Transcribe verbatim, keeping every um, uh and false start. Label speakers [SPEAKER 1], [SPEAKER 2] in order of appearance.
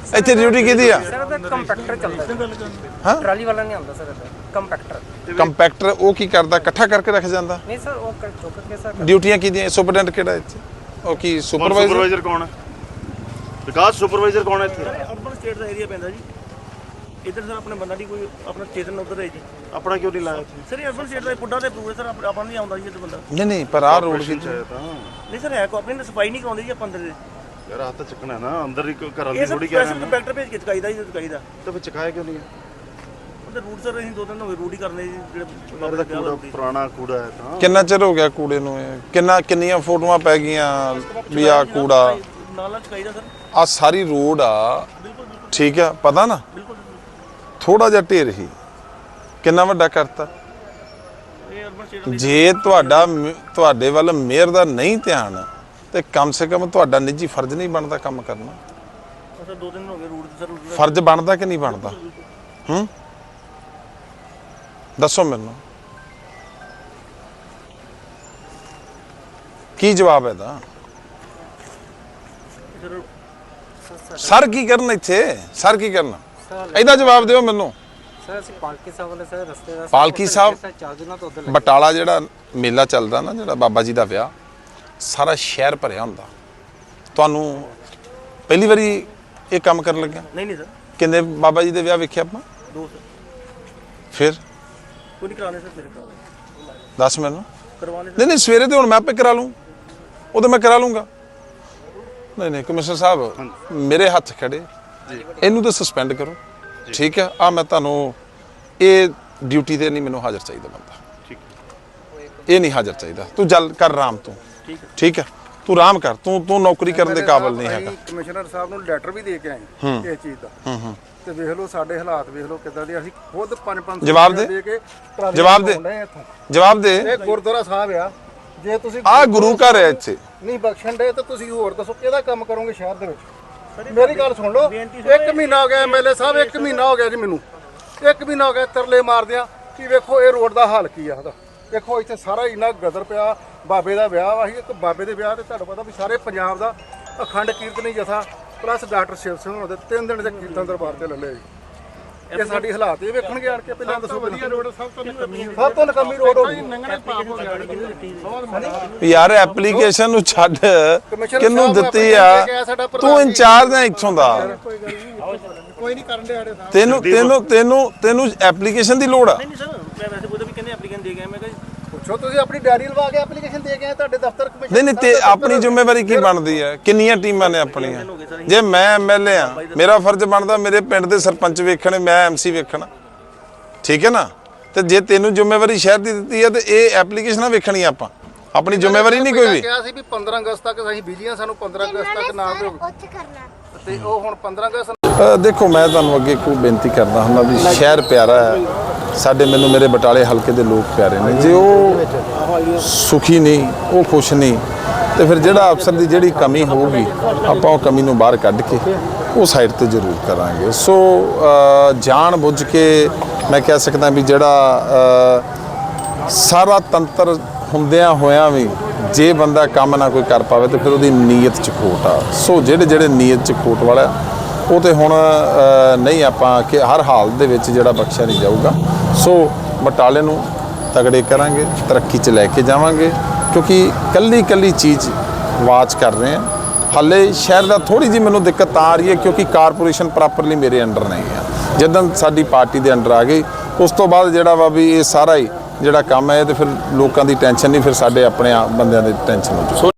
[SPEAKER 1] ਇੱਥੇ ਡਿਊਟੀ ਕਿਹਦੀ ਆ?
[SPEAKER 2] ਸਰ ਕੰਪੈਕਟਰ ਚੱਲਦਾ
[SPEAKER 1] ਹਾਂ
[SPEAKER 2] ਟਰਾਲੀ ਵਾਲਾ ਨਹੀਂ ਆਉਂਦਾ ਸਰ ਕੰਪੈਕਟਰ
[SPEAKER 1] ਕੰਪੈਕਟਰ ਉਹ ਕੀ ਕਰਦਾ? ਇਕੱਠਾ ਕਰਕੇ ਰੱਖ ਜਾਂਦਾ?
[SPEAKER 2] ਨਹੀਂ ਸਰ ਉਹ ਚੁੱਕ ਕੇ ਸਰ
[SPEAKER 1] ਡਿਊਟੀਆਂ ਕਿਹਦੀਆਂ? ਸੁਪਰਡੈਂਟ ਕਿਹੜਾ ਇੱਥੇ? ਉਹ ਕੀ ਸੁਪਰਵਾਈਜ਼ਰ?
[SPEAKER 3] ਸੁਪਰਵਾਈਜ਼ਰ ਕੌਣ ਹੈ? ਵਿਕਾਸ ਸੁਪਰਵਾਈਜ਼ਰ ਕੌਣ ਹੈ ਇੱਥੇ?
[SPEAKER 4] ਅਰਬਨ ਸਟੇਟ ਦਾ ਏਰੀਆ ਪੈਂਦਾ ਜੀ ਇੱਧਰ ਸਰ ਆਪਣੇ ਬੰਦਾ ਨਹੀਂ ਕੋਈ ਆਪਣਾ ਸਟੇਸ਼ਨ ਉੱਧਰ ਹੈ ਜੀ
[SPEAKER 3] ਆਪਣਾ ਕਿਉਂ ਨਹੀਂ ਲਾਇਆ ਇੱਥੇ?
[SPEAKER 4] ਸਰ ਅਰਬਨ ਸਟੇਟ ਦਾ ਪੁੱਡਾ ਤੇ ਅਪਰੂਵ ਹੈ ਸਰ ਆਪਾਂ ਨਹੀਂ ਆਉਂਦਾ ਜੀ ਇੱਧਰ ਬੰਦਾ
[SPEAKER 1] ਨਹੀਂ ਨਹੀਂ ਪਰ ਆਹ ਰੋਡ ਕੀ
[SPEAKER 4] ਨਹੀਂ ਸਰ ਹੈ ਕੋ ਆਪਣੀ ਸਫਾਈ ਨਹੀਂ ਕਰਾਉਂਦੇ ਜੀ ਆਪਾਂ ਅੰਦਰ ਦੇ
[SPEAKER 3] ਯਾਰ ਹੱਥ ਚੱਕਣਾ ਨਾ ਅੰਦਰ ਹੀ ਘਰਾਂ
[SPEAKER 4] ਇਹ
[SPEAKER 3] ਦੀ
[SPEAKER 4] ਸਰ
[SPEAKER 3] ਥੋੜੀ ਕਹਿ ਰਹੇ
[SPEAKER 4] ਸਪੈਸ਼ਲ ਕੰਪੈਕਟਰ ਭੇਜ ਕੇ ਚਕਾਈਦਾ ਜੀ ਚਕਾਈਦਾ
[SPEAKER 3] ਤੇ ਫਿਰ ਚਕਾਇਆ ਕਿਉਂ ਨਹੀਂ ਹੈ?
[SPEAKER 4] ਉਹਦੇ ਰੂਟ ਸਰ ਅਸੀਂ ਦੋ ਦਿਨ ਹੋ ਗਏ ਰੂਟ ਹੀ ਕਰਨੇ ਜੀ ਜਿਹੜੇ
[SPEAKER 3] ਬਾਬੇ ਦਾ ਕੂੜਾ ਪੁਰਾਣਾ ਕੂੜਾ ਹੈ ਤਾਂ
[SPEAKER 1] ਕਿੰਨਾ ਚਿਰ ਹੋ ਗਿਆ ਕੂੜੇ ਨੂੰ? ਇਹ ਕਿੰਨਾ ਕਿੰਨੀਆਂ ਫੋਟੋਆਂ ਪੈ ਗਈਆਂ ਵੀ ਆ ਕੂੜਾ
[SPEAKER 4] ਨਾਲ ਨਾਲ ਚਕਾਈਦਾ ਸਰ
[SPEAKER 1] ਆ ਸਾਰੀ ਰੋਡ ਆ ਠੀਕ ਆ ਪਤਾ ਨਾ ਥੋੜਾ ਜਿਹਾ ਢੇਰ ਹੀ ਕਿੰਨਾ ਵੱਡਾ ਕਰਤਾ।
[SPEAKER 4] ਇਹ ਅਰਬਨ ਸਟੇਟ
[SPEAKER 1] ਜੇ ਤੁਹਾਡਾ ਤੁਹਾਡੇ ਵੱਲ ਮੇਅਰ ਦਾ ਨਹੀਂ ਧਿਆਨ ਤੇ ਕਮ ਸੇ ਕਮ ਤੁਹਾਡਾ ਨਿੱਜੀ ਫਰਜ਼ ਨਹੀਂ ਬਣਦਾ ਕੰਮ ਕਰਨਾ?
[SPEAKER 4] ਸਰ ਦੋ ਦਿਨ ਹੋ ਗਏ ਰੂਟ ਸਰ
[SPEAKER 1] ਫਰਜ਼ ਬਣਦਾ ਕਿ ਨਹੀਂ ਬਣਦਾ? ਹੂੰ ਦੱਸੋ ਮੈਨੂੰ ਕੀ ਜਵਾਬ ਹੈ ਦਾ? ਸਰ ਕੀ ਕਰਨ ਇੱਥੇ? ਸਰ ਕੀ ਕਰਨਾ? ਇਹਦਾ ਜਵਾਬ ਦਿਓ ਮੈਨੂੰ।
[SPEAKER 2] ਸਰ ਅਸੀਂ ਪਾਲਕੀ ਸਾਹਿਬ ਵਾਲੇ ਸਰ ਰਸਤੇ ਦਾ
[SPEAKER 1] ਪਾਲਕੀ ਸਾਹਿਬ
[SPEAKER 2] ਚਾਰ ਦਿਨਾਂ ਤੋਂ ਉੱਧਰ
[SPEAKER 1] ਬਟਾਲਾ ਜਿਹੜਾ ਮੇਲਾ ਚੱਲਦਾ ਨਾ ਜਿਹੜਾ ਬਾਬਾ ਜੀ ਦਾ ਵਿਆਹ ਸਾਰਾ ਸ਼ਹਿਰ ਭਰਿਆ ਹੁੰਦਾ। ਤੁਹਾਨੂੰ ਪਹਿਲੀ ਵਾਰੀ ਇਹ ਕੰਮ ਕਰਨ ਲੱਗਿਆ?
[SPEAKER 4] ਨਹੀਂ ਨਹੀਂ ਸਰ
[SPEAKER 1] ਕਿੰਨੇ ਬਾਬਾ ਜੀ ਦੇ ਵਿਆਹ ਵੇਖਿਆ ਆਪਾਂ?
[SPEAKER 4] ਦੋ ਸਰ
[SPEAKER 1] ਫਿਰ
[SPEAKER 4] ਕੋਈ ਨਹੀਂ ਕਰਾਣੇ ਸਰ ਫਿਰ ਕਰਾਣੇ
[SPEAKER 1] ਦੱਸ ਮੈਨੂੰ।
[SPEAKER 4] ਕਰਵਾਣੇ
[SPEAKER 1] ਨਹੀਂ ਨਹੀਂ ਸਵੇਰੇ ਤੇ ਹੁਣ ਮੈਂ ਆਪੇ ਕਰਾ ਲੂੰ ਉਹ ਤਾਂ ਮੈਂ ਕਰਾ ਲੂੰਗਾ। ਨਹੀਂ ਨਹੀਂ ਕਮਿਸ਼ਨਰ ਸਾਹਿਬ ਮੇਰੇ ਹੱਥ ਖੜੇ ਇਹਨੂੰ ਤਾਂ ਸਸਪੈਂਡ ਕਰੋ ਠੀਕ ਹੈ। ਆ ਮੈਂ ਤੁਹਾਨੂੰ ਇਹ ਡਿਊਟੀ ਤੇ ਨਹੀਂ ਮੈਨੂੰ ਹਾਜ਼ਰ ਚਾਹੀਦਾ ਬੰਦਾ
[SPEAKER 3] ਠੀਕ
[SPEAKER 1] ਇਹ ਨਹੀਂ ਹਾਜ਼ਰ ਚਾਹੀਦਾ। ਤੂੰ ਜਲ ਕਰ ਆਰਾਮ ਤੂੰ ਠੀਕ ਹੈ ਤੂੰ ਆਰਾਮ ਕਰ ਤੂੰ ਤੂੰ ਨੌਕਰੀ ਕਰਨ ਦੇ ਕਾਬਿਲ ਨਹੀਂ ਹੈਗਾ।
[SPEAKER 5] ਕਮਿਸ਼ਨਰ ਸਾਹਿਬ ਨੂੰ ਲੈਟਰ ਵੀ ਦੇ ਕੇ ਆਏ ਇਸ ਚੀਜ਼ ਦਾ
[SPEAKER 1] ਹੂੰ ਹੂੰ
[SPEAKER 5] ਤੇ ਵੇਖ ਲਓ ਸਾਡੇ ਹਾਲਾਤ ਵੇਖ ਲਓ ਕਿੱਦਾਂ ਦੇ ਅਸੀਂ ਖੁਦ ਪੰਜ ਪੰਜ
[SPEAKER 1] ਜਵਾਬ ਦੇ।
[SPEAKER 5] ਕੇ ਟਰਾਲੀਆਂ
[SPEAKER 1] ਜਵਾਬ ਦੇ।
[SPEAKER 5] ਚਲਾਉਂਦੇ ਹਾਂ ਇੱਥੋਂ।
[SPEAKER 1] ਜਵਾਬ ਦੇ।
[SPEAKER 5] ਇਹ ਗੁਰਦੁਆਰਾ ਸਾਹਿਬ ਆ ਜੇ ਤੁਸੀਂ
[SPEAKER 1] ਆ ਗੁਰੂ ਘਰ ਹੈ ਇੱਥੇ
[SPEAKER 5] ਨਹੀਂ ਬਖਸ਼ਣ ਦੇ ਤਾਂ ਤੁਸੀਂ ਹੋਰ ਦੱਸੋ ਕਿਹਦਾ ਕੰਮ ਕਰੋਗੇ ਸ਼ਹਿਰ ਦੇ ਵਿੱਚ? ਮੇਰੀ ਗੱਲ ਸੁਣ ਲਓ ਇੱਕ ਮਹੀਨਾ ਹੋ ਗਿਆ ਐਮਐਲਏ ਸਾਹਿਬ ਇੱਕ ਮਹੀਨਾ ਹੋ ਗਿਆ ਜੀ ਮੈਨੂੰ ਇੱਕ ਮਹੀਨਾ ਹੋ ਗਿਆ ਤਰਲੇ ਮਾਰਦਿਆਂ ਕਿ ਵੇਖੋ ਇਹ ਰੋਡ ਦਾ ਹਾਲ ਕੀ ਆ ਉਹਦਾ। ਦੇਖੋ ਇੱਥੇ ਸਾਰਾ ਇੰਨਾ ਗਦਰ ਪਿਆ ਬਾਬੇ ਦਾ ਵਿਆਹ ਵਾ ਸੀ ਇੱਕ ਬਾਬੇ ਦੇ ਵਿਆਹ ਤੇ ਤੁਹਾਨੂੰ ਪਤਾ ਵੀ ਸਾਰੇ ਪੰਜਾਬ ਦਾ ਅਖੰਡ ਕੀਰਤਨੀ ਜਥਾ ਪਲੱਸ ਡਾਕਟਰ ਸ਼ਿਵ ਸਿੰਘ ਹੋਣਾ ਦੇ ਤਿੰਨ ਦਿਨ ਦੇ ਕੀਰਤਨ ਦਰਬਾਰ ਤੇ ਲੱਲੇ ਜੀ। ਇਹ ਸਾਡੀ ਹਾਲਾਤ ਇਹ ਵੇਖਣਗੇ ਆਣ ਕੇ ਪਹਿਲਾਂ ਦੱਸੋ ਵਧੀਆ ਰੋਡ ਸਭ ਤੋਂ ਸਭ ਤੋਂ ਨਕਮੀ ਰੋਡ ਹੋ ਗਈ
[SPEAKER 1] ਯਾਰ ਐਪਲੀਕੇਸ਼ਨ ਨੂੰ ਛੱਡ ਕਿਹਨੂੰ ਦਿੱਤੀ ਆ? ਤੂੰ ਇੰਚਾਰਜ ਹੈ ਇੱਥੋਂ ਦਾ
[SPEAKER 5] ਕੋਈ ਨਹੀਂ ਕਰਨ ਦੇ ਆੜੇ ਸਾਹਿਬ
[SPEAKER 1] ਤੈਨੂੰ ਤੈਨੂੰ ਤੈਨੂੰ ਤੈਨੂੰ ਐਪਲੀਕੇਸ਼ਨ ਦੀ ਲੋੜ ਆ?
[SPEAKER 4] ਨਹੀਂ ਸਰ ਮੈਂ ਵੈਸੇ ਕੋਈ ਵੀ ਕਹਿੰਦੇ ਐਪਲੀਕੈਂਟ ਦੇ ਗਏ ਮੈਂ ਕਿਹਾ
[SPEAKER 5] ਪੁੱਛੋ ਤੁਸੀਂ ਆਪਣੀ ਡਾਇਰੀ ਲਵਾ ਕੇ ਐਪਲੀਕੇਸ਼ਨ ਦੇ ਕੇ ਆਏ ਤੁਹਾਡੇ ਦਫ਼ਤਰ ਕਮਿਸ਼ਨ
[SPEAKER 1] ਨਹੀਂ ਨਹੀਂ ਤੇ ਆਪਣੀ ਜ਼ਿੰਮੇਵਾਰੀ ਕੀ ਬਣਦੀ ਹੈ? ਕਿੰਨੀਆਂ ਟੀਮਾਂ ਨੇ ਆਪਣੀਆਂ? ਜੇ ਮੈਂ ਐਮਐਲਏ ਆ ਮੇਰਾ ਫਰਜ਼ ਬਣਦਾ ਮੇਰੇ ਪਿੰਡ ਦੇ ਸਰਪੰਚ ਵੇਖਣੇ ਮੈਂ ਐਮਸੀ ਵੇਖਣਾ ਠੀਕ ਹੈ ਨਾ। ਤੇ ਜੇ ਤੈਨੂੰ ਜ਼ਿੰਮੇਵਾਰੀ ਸ਼ਹਿਰ ਦੀ ਦਿੱਤੀ ਹੈ ਤੇ ਇਹ ਐਪਲੀਕੇਸ਼ਨਾਂ ਵੇਖਣੀ ਆਪਾਂ ਆਪਣੀ ਜ਼ਿੰਮੇਵਾਰੀ ਨਹੀਂ ਕੋਈ ਵੀ।
[SPEAKER 5] ਕਿਹਾ ਸੀ ਵੀ ਪੰਦਰਾਂ ਅਗਸਤ ਤੱਕ ਅਸੀਂ ਬਿਜਲੀਆਂ ਸਾਨੂੰ ਪੰਦਰਾਂ ਅਗਸਤ ਤੱਕ ਨਾ ਦਿਓ
[SPEAKER 6] ਉੱਥੇ ਕਰਨਾ
[SPEAKER 5] ਤੇ ਉਹ ਹੁਣ ਪੰਦਰਾਂ ਅਗਸਤ
[SPEAKER 1] ਅ, ਦੇਖੋ ਮੈਂ ਤੁਹਾਨੂੰ ਅੱਗੇ ਕੋਈ ਬੇਨਤੀ ਕਰਦਾ ਹੁੰਦਾ ਵੀ ਸ਼ਹਿਰ ਪਿਆਰਾ ਹੈ ਸਾਡੇ ਮੈਨੂੰ ਮੇਰੇ ਬਟਾਲੇ ਹਲਕੇ ਦੇ ਲੋਕ ਪਿਆਰੇ ਨੇ। ਜੇ ਉਹ ਸੁਖੀ ਨਹੀਂ ਉਹ ਖੁਸ਼ ਨਹੀਂ ਤੇ ਫਿਰ ਜਿਹੜਾ ਅਫਸਰ ਦੀ ਜਿਹੜੀ ਕਮੀ ਹੋਊਗੀ ਆਪਾਂ ਉਹ ਕਮੀ ਨੂੰ ਬਾਹਰ ਕੱਢ ਕੇ ਉਹ ਸਾਈਡ ਤੇ ਜ਼ਰੂਰ ਕਰਾਂਗੇ। ਸੋ ਜਾਣ ਬੁੱਝ ਕੇ ਮੈਂ ਕਹਿ ਸਕਦਾ ਵੀ ਜਿਹੜਾ ਸਾਰਾ ਤੰਤਰ ਹੁੰਦਿਆਂ ਹੋਇਆਂ ਵੀ ਜੇ ਬੰਦਾ ਕੰਮ ਨਾ ਕੋਈ ਕਰ ਪਾਵੇ ਤੇ ਫਿਰ ਉਹਦੀ ਨੀਅਤ 'ਚ ਖੋਟ ਆ। ਸੋ ਜਿਹੜੇ ਜਿਹੜੇ ਨੀਅਤ 'ਚ ਖੋਟ ਵਾਲਾ ਉਹ ਤੇ ਹੁਣ ਨਹੀਂ ਆਪਾਂ ਕਿ ਹਰ ਹਾਲ ਦੇ ਵਿੱਚ ਜਿਹੜਾ ਬਖਸ਼ਿਆ ਨਹੀਂ ਜਾਊਗਾ। ਸੋ ਬਟਾਲੇ ਨੂੰ ਤਗੜੇ ਕਰਾਂਗੇ ਤਰੱਕੀ 'ਚ ਲੈ ਕੇ ਜਾਵਾਂਗੇ ਕਿਉਂਕਿ ਕੱਲੀ ਕੱਲੀ ਚੀਜ਼ ਵਾਚ ਕਰ ਰਹੇ ਹਾਂ। ਹਾਲੇ ਸ਼ਹਿਰ ਦਾ ਥੋੜੀ ਜਿਹੀ ਮੈਨੂੰ ਦਿੱਕਤ ਆ ਰਹੀ ਹੈ ਕਿਉਂਕਿ ਕਾਰਪੋਰੇਸ਼ਨ ਪ੍ਰੋਪਰਲੀ ਮੇਰੇ ਅੰਡਰ ਨਹੀਂ ਆ। ਜਦੋਂ ਸਾਡੀ ਪਾਰਟੀ ਦੇ ਅੰਡਰ ਆ ਗਈ ਉਸ ਤੋਂ ਬਾਅਦ ਜਿਹੜਾ ਵਾ ਵੀ ਇਹ ਸਾਰਾ ਹੀ ਜਿਹੜਾ ਕੰਮ ਹੈ ਤੇ ਫਿਰ ਲੋਕਾਂ ਦੀ ਟੈਨਸ਼ਨ ਨਹੀਂ ਫਿਰ ਸਾਡੇ ਆਪਣੇ ਬੰਦਿਆਂ ਦੀ ਟੈਨਸ਼ਨ ਹੋ ਜੂ।